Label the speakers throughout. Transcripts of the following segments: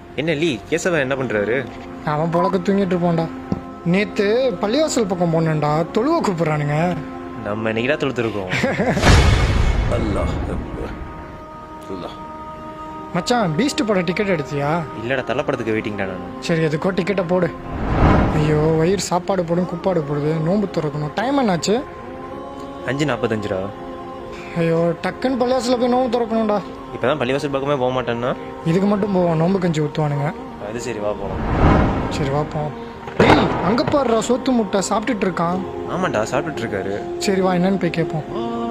Speaker 1: என்ன லீ கேசவன் என்ன பண்றாரு?
Speaker 2: அவன் பொழக்க தூங்கிட்டு இருப்போம்டா. நேற்று பள்ளிவாசல் பக்கம் போனேன்டா, தொழுவ கூப்பிட்றானுங்க.
Speaker 1: நம்ம இன்னைக்கு தான் தொழுத்துருக்கோம்.
Speaker 2: மச்சான், பீஸ்ட் படம் டிக்கெட் எடுத்தியா?
Speaker 1: இல்லடா, தள்ளப்படத்துக்கு வெயிட்டிங்டா நான்.
Speaker 2: சரி, எதுக்கோ டிக்கெட்டை போடு. ஐயோ, வயிறு சாப்பாடு போடும் குப்பாடு போடுது, நோம்பு திறக்கணும். டைம் என்னாச்சு?
Speaker 1: 5:45.
Speaker 2: ஐயோ, டக்குன்னு பள்ளிவாசலில் போய் நோம்பு திறக்கணும்டா.
Speaker 1: இப்போதான் பள்ளிவாசல் பக்கமே போக மாட்டேன்னா
Speaker 2: இதுக்கு மட்டும் போவோம், நோம்பு கஞ்சி ஊற்றுவானுங்க.
Speaker 1: அது சரி, வா போகலாம்.
Speaker 2: சரி வாப்போம். டேய், அங்கே பாடுறா, சோத்து முட்டை சாப்பிட்டுட்டு இருக்கான்.
Speaker 1: ஆமாண்டா, சாப்பிட்டுட்டு இருக்காரு.
Speaker 2: சரி வா, என்னன்னு போய் கேட்போம்.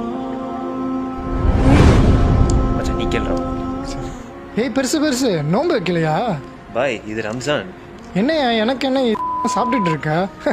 Speaker 1: மச்சான், நீ கேள்றா.
Speaker 2: ஏய், பெருசு பெருசு நோம்பு வைக்கலையா?
Speaker 1: பாய், இது ரம்ஜான்.
Speaker 2: என்னையா எனக்கு என்ன சாப்பிட்டுட்டு இருக்க?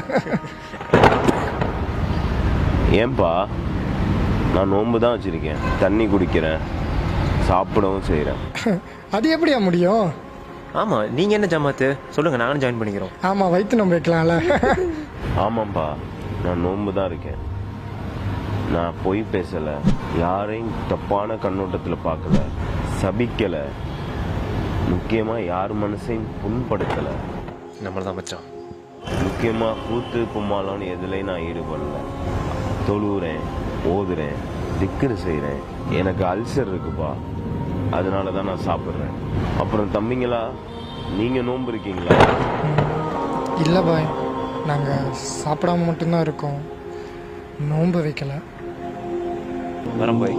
Speaker 3: ஏன்பா, நான் நோன்பு தான் வச்சுருக்கேன், தண்ணி குடிக்கிறேன், சாப்பிடவும் செய்கிறேன்.
Speaker 2: அது எப்படியா முடியும்?
Speaker 1: ஆமா, நீங்க என்ன ஜமாத்து சொல்லுங்க, நானும் ஜாயின் பண்ணிக்கிறோம்.
Speaker 2: ஆமாம், வயிற்று நோம்பு வைக்கலாம்ல.
Speaker 3: ஆமாம்ப்பா, நான் நோன்பு தான் இருக்கேன். நான் பொய் பேசலை, யாரையும் தப்பான கண்ணோட்டத்தில் பார்க்கல, சபிக்கலை, முக்கியமாக யார் மனசையும் புண்படுத்தலை.
Speaker 1: நம்மளதான் மச்சான்.
Speaker 3: முக்கியமாக கூத்து கும்மாலான்னு எதுலையும் நான் ஈடுபடல. தொழுகிறேன், ஓதுறேன், திக்ரு செய்கிறேன். எனக்கு அல்சர் இருக்குப்பா, அதனால தான் நான் சாப்பிட்றேன். அப்புறம் தம்பிங்களா, நீங்கள் நோன்பு இருக்கீங்களா?
Speaker 2: இல்லை பாய், நாங்கள் சாப்பிடாம மட்டும்தான் இருக்கோம், நோன்பு வைக்கல.
Speaker 1: வரம் பாய்.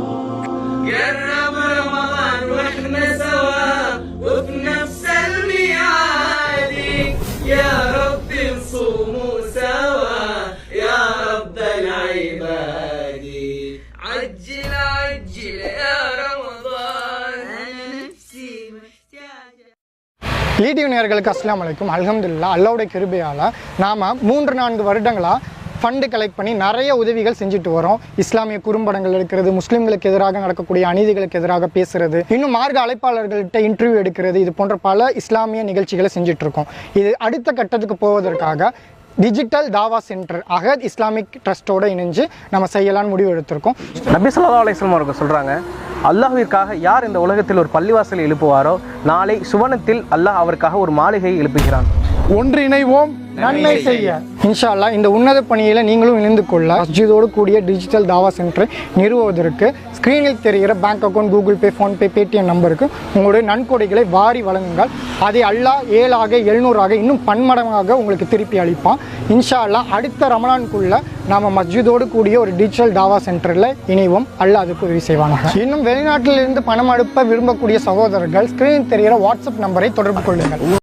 Speaker 2: லீடிவ் நேயர்களுக்கு அஸ்ஸலாமு அலைக்கும். அல்ஹம்துலில்லாஹ், அல்லாஹ்வுடைய கிருபையால் நாம் 3-4 வருடங்களாக ஃபண்டு கலெக்ட் பண்ணி நிறைய உதவிகள் செஞ்சுட்டு வரோம். இஸ்லாமிய குறும்படங்கள் எடுக்கிறது, முஸ்லீம்களுக்கு எதிராக நடக்கக்கூடிய அநீதிகளுக்கு எதிராக பேசுறது, இன்னும் மார்க்க அழைப்பாளர்கள்ட்ட இன்டர்வியூ எடுக்கிறது, இது போன்ற பல இஸ்லாமிய நிகழ்ச்சிகளை செஞ்சுட்டு இருக்கோம். இது அடுத்த கட்டத்துக்கு போவதற்காக டிஜிட்டல் தாவா சென்டர் அகத் இஸ்லாமிக் ட்ரஸ்ட்டோடு இணைஞ்சு நம்ம செய்யலான்னு முடிவு எடுத்திருக்கோம்.
Speaker 4: நபி ஸல்லல்லாஹு அலைஹி வஸல்லம் அவர்கள் சொல்கிறாங்க, அல்லாஹ்விற்காக யார் இந்த உலகத்தில் ஒரு பள்ளிவாசலை எழுப்புவாரோ நாளை சுவனத்தில் அல்லாஹ் அவருக்காக ஒரு மாளிகையை எழுப்புகிறான்.
Speaker 2: ஒன்றிணைவோம் நன்மை செய்ய. இன்ஷா அல்லாஹ் இந்த உன்னத பணியில் நீங்களும் இணைந்து கொள்ள மஸ்ஜிதோடு கூடிய டிஜிட்டல் தாவா சென்டரை நிறுவுவதற்கு ஸ்க்ரீனில் தெரிகிற bank account, Google pay, PhonePe, Paytm நம்பருக்கு உங்களுடைய நன்கொடைகளை வாரி வழங்குங்கள். அதை அல்லாஹ் 7ஆக 700ஆக இன்னும் பன்மடங்காக உங்களுக்கு திருப்பி அளிப்பான். இன்ஷா அல்லாஹ் அடுத்த ரமலானுக்குள்ள நாம மஸ்ஜிதோடு கூடிய ஒரு டிஜிட்டல் தாவா சென்டரில் இணைவோம். அல்லாஹ் அதுக்கு உதவி செய்வாங்க. இன்னும் வெளிநாட்டிலிருந்து பணம் அனுப்ப விரும்பக்கூடிய சகோதரர்கள் ஸ்க்ரீனில் தெரிகிற வாட்ஸ்அப் நம்பரை தொடர்பு கொள்ளுங்கள்.